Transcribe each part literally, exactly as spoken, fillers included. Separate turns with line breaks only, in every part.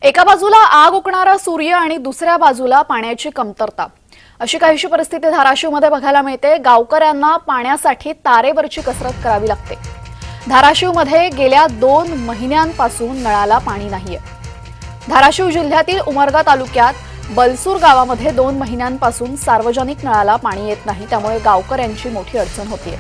एका बाजूला आग ओकणारा सूर्य आणि दुसऱ्या बाजूला पाण्याची कमतरता, अशी काहीशी परिस्थिती धाराशिवमध्ये बघायला मिळते। गावकऱ्यांना पाण्यासाठी तारेवरची कसरत करावी लागते। धाराशिवमध्ये गेल्या दोन महिन्यांपासून नळाला पाणी नाहीये। धाराशिव जिल्ह्यातील उमरगा तालुक्यात बलसूर गावामध्ये दोन महिन्यांपासून सार्वजनिक नळाला पाणी येत नाही, त्यामुळे गावकऱ्यांची मोठी अडचण होतीये।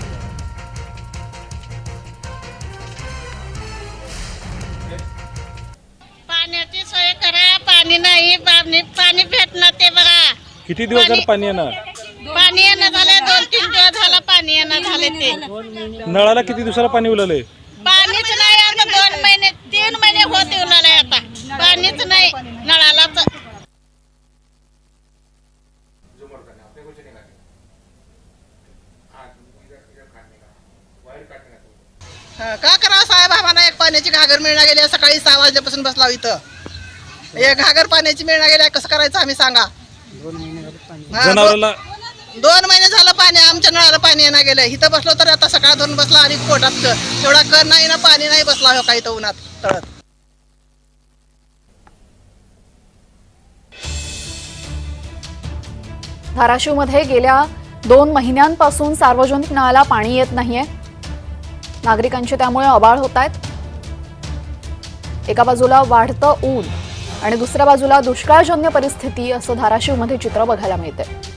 पाण्याची सोय करा, पाणी नाही, पाणी पाणी भेटणार ते बघा।
किती दिवस झाले पाणी येणार?
पाणी येणं झाले, दोन तीन दिवस झाला पाणी येणं झाले ते।
नळाला किती दिवसाला पाणी उरलंय?
पाणीच नाही, आता दोन महिने तीन महिने होते उन्हाळ्यात, आता पाणीच नाही नळाला।
का करा साहेब, आम्हाला एक पाण्याची घागर मिळणार गेली, सकाळी सहा वाजल्यापासून बसलाव इथं। एक घागर पाण्याची मिळणार गेली, कसं करायचं आम्ही सांगा। हा,
जनावराला
दोन महिने झालं पाणी आमच्या नळाला पाणी येणार गेलं। इथं बसलो तर आता सकाळ धरून बसला आणि पोटात तेवढा कर नाही ना, पाणी नाही बसला हो काही तर उन्हात तळत।
धाराशिवमध्ये गेल्या दोन महिन्यांपासून सार्वजनिक नळाला पाणी येत नाहीये। नागरिकांचे त्यामुळे अबाळ होत आहेत। एका बाजूला वाढतं ऊन आणि दुसऱ्या बाजूला दुष्काळजन्य परिस्थिती, असं धाराशिवमध्ये चित्र बघायला मिळते।